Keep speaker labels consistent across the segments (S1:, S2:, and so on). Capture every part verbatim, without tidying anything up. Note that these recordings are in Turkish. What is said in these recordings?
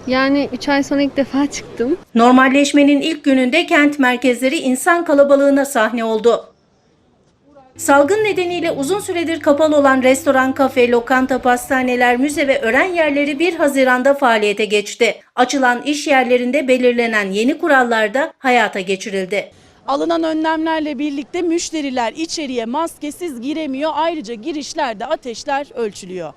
S1: Yani üç ay sonra ilk defa çıktım.
S2: Normalleşmenin ilk gününde kent merkezleri insan kalabalığına sahne oldu. Salgın nedeniyle uzun süredir kapalı olan restoran, kafe, lokanta, pastaneler, müze ve öğren yerleri bir Haziran'da faaliyete geçti. Açılan iş yerlerinde belirlenen yeni kurallar da hayata geçirildi.
S3: Alınan önlemlerle birlikte müşteriler içeriye maskesiz giremiyor. Ayrıca girişlerde ateşler ölçülüyor.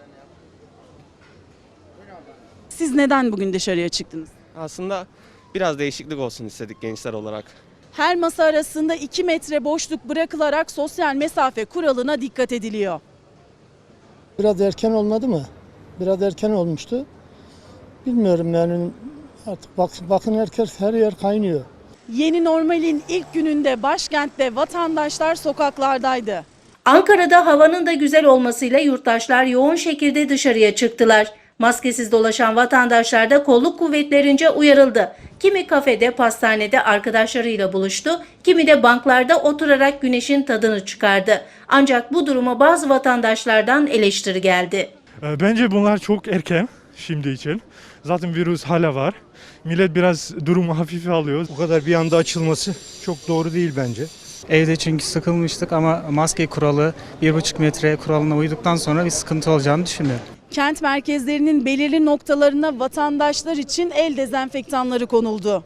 S3: Siz neden bugün dışarıya çıktınız?
S4: Aslında biraz değişiklik olsun istedik gençler olarak.
S3: Her masa arasında iki metre boşluk bırakılarak sosyal mesafe kuralına dikkat ediliyor.
S5: Biraz erken olmadı mı? Biraz erken olmuştu. Bilmiyorum yani artık bak, bakın herkes her yer kaynıyor.
S3: Yeni normalin ilk gününde başkentte vatandaşlar sokaklardaydı.
S2: Ankara'da havanın da güzel olmasıyla yurttaşlar yoğun şekilde dışarıya çıktılar. Maskesiz dolaşan vatandaşlar da kolluk kuvvetlerince uyarıldı. Kimi kafede, pastanede arkadaşlarıyla buluştu, kimi de banklarda oturarak güneşin tadını çıkardı. Ancak bu duruma bazı vatandaşlardan eleştiri geldi.
S6: Bence bunlar çok erken şimdi için. Zaten virüs hala var. Millet biraz durumu hafife alıyor.
S7: Bu kadar bir anda açılması çok doğru değil bence.
S8: Evde çünkü sıkılmıştık ama maske kuralı, bir buçuk metre kuralına uyduktan sonra bir sıkıntı olacağını düşünmüyorum.
S3: Kent merkezlerinin belirli noktalarına vatandaşlar için el dezenfektanları konuldu.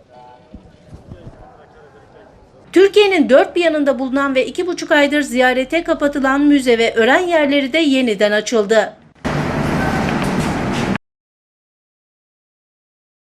S2: Türkiye'nin dört bir yanında bulunan ve iki buçuk aydır ziyarete kapatılan müze ve öğren yerleri de yeniden açıldı.